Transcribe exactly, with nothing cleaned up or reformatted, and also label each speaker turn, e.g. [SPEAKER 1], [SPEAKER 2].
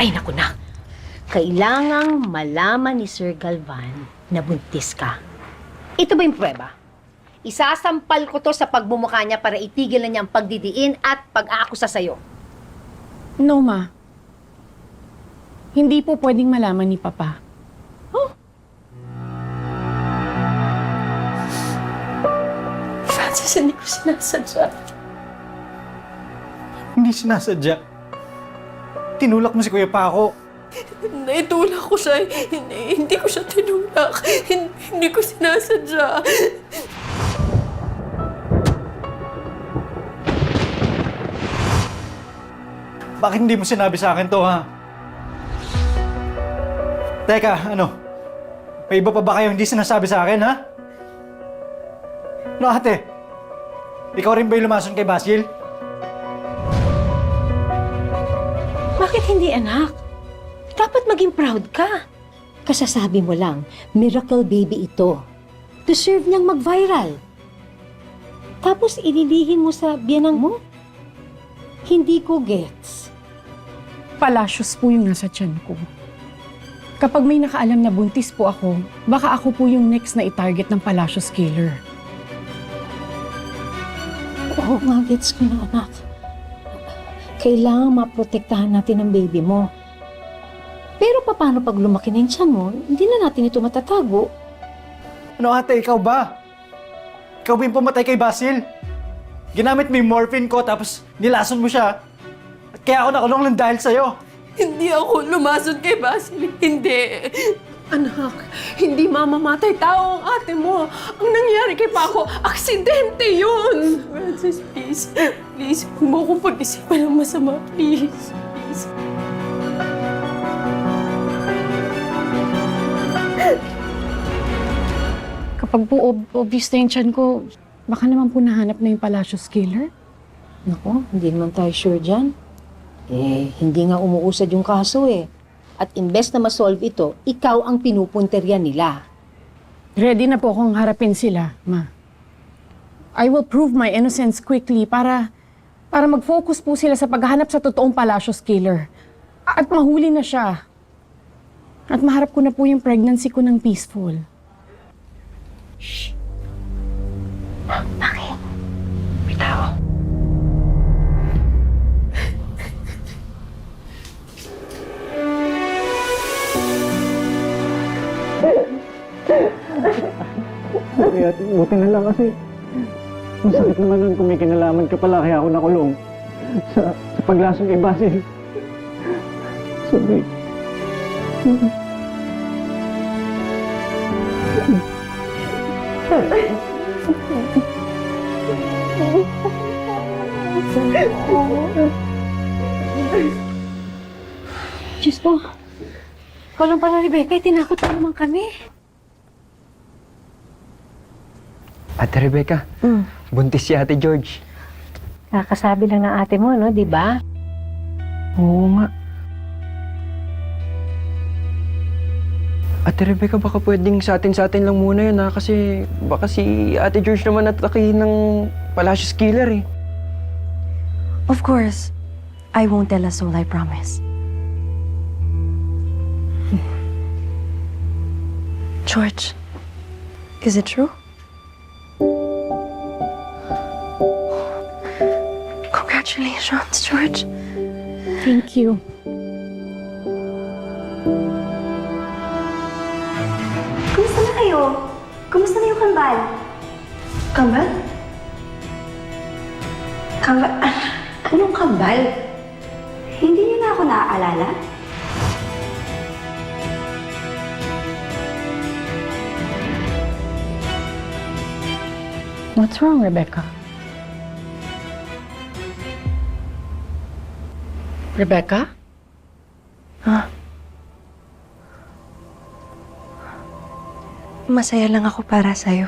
[SPEAKER 1] Ay, naku na. Kailangang malaman ni Sir Galvan na buntis ka. Ito ba yung prueba? Isasampal ko to sa pagmumukha niya para itigil na niya ang pagdidiin at pag-aakusa sa'yo.
[SPEAKER 2] No, Ma. Hindi po pwedeng malaman ni Papa.
[SPEAKER 1] Oh?
[SPEAKER 3] Francis, hindi ko sinasadya.
[SPEAKER 4] Hindi sinasadya. Tinulak mo si Kuya Paco.
[SPEAKER 3] Naitulak ko siya. Hindi, hindi ko siya tinulak. Hindi, hindi ko sinasadya.
[SPEAKER 4] Bakit hindi mo sinabi sa akin to, ha? Teka, ano? May iba pa ba kayo hindi sinasabi sa akin, ha? No, ate? Ikaw rin ba yung lumason kay Basil?
[SPEAKER 1] Bakit hindi, anak? Dapat maging proud ka. Kasasabi mo lang, miracle baby ito. Deserve niyang mag-viral. Tapos ililihin mo sa biyanang mo? Hindi ko gets.
[SPEAKER 2] Palacios po yung nasa tiyan ko. Kapag may nakaalam na buntis po ako, baka ako po yung next na i-target ng Palacios killer.
[SPEAKER 1] Oo nga, gets ko na, anak. Kailangan maprotektahan natin ang baby mo. Pero paano pag lumaki na yung tiyan mo, hindi na natin ito matatago.
[SPEAKER 4] Ano, ate? Ikaw ba? Ikaw ba yung pumatay kay Basil? Ginamit mo yung morphine ko tapos nilason mo siya. At kaya ako nakulong lang dahil sa'yo.
[SPEAKER 3] Hindi ako lumason kay Basil. Hindi. Anak, hindi mamamatay tao ang ate mo. Ang nangyari kay Paco, aksidente yun. Francis, please. Please, huwag mo akong pag-isipan ng masama. Please. Please.
[SPEAKER 2] Kapag po ob obvious na yung tiyan ko, baka naman po nahanap na yung Palacios killer.
[SPEAKER 1] Naku, hindi naman tayo sure dyan. Eh, hindi nga umuusad yung kaso eh. At imbes na masolve ito, ikaw ang pinupunterya nila.
[SPEAKER 2] Ready na po akong harapin sila, Ma. I will prove my innocence quickly para para mag-focus po sila sa paghahanap sa totoong Palacios killer. At mahuli na siya. At maharap ko na po yung pregnancy ko ng peaceful.
[SPEAKER 1] Bakit? May tao.
[SPEAKER 4] Kaya buti na lang kasi masakit naman nun kung may kinalaman ka pala kaya ako nakulong sa, sa paglasong kay Basil. Sorry.
[SPEAKER 1] Diyos ko. Ikaw lang pala, Rebecca. Tinakot mo naman kami.
[SPEAKER 5] Ate Rebecca,
[SPEAKER 1] Mm.
[SPEAKER 5] buntis si Ate George.
[SPEAKER 1] Kakasabi lang ng ate mo, no? Di ba?
[SPEAKER 5] Oo nga. Ate Rebecca, baka pwedeng sa atin-sa atin lang muna yun, ha? Kasi baka si Ate George naman atatakihin ng Palacios killer, eh.
[SPEAKER 6] Of course. I won't tell a soul, I promise. George, is it true? Congratulations, George.
[SPEAKER 2] Thank you.
[SPEAKER 7] Kumusta na kayo? Kumusta na yung kambal?
[SPEAKER 6] Kambal?
[SPEAKER 7] Kambal? Anong kambal? Hindi niyo na ako naaalala?
[SPEAKER 2] What's wrong, Rebecca? Rebecca?
[SPEAKER 6] Ha? Masaya lang ako para sa'yo.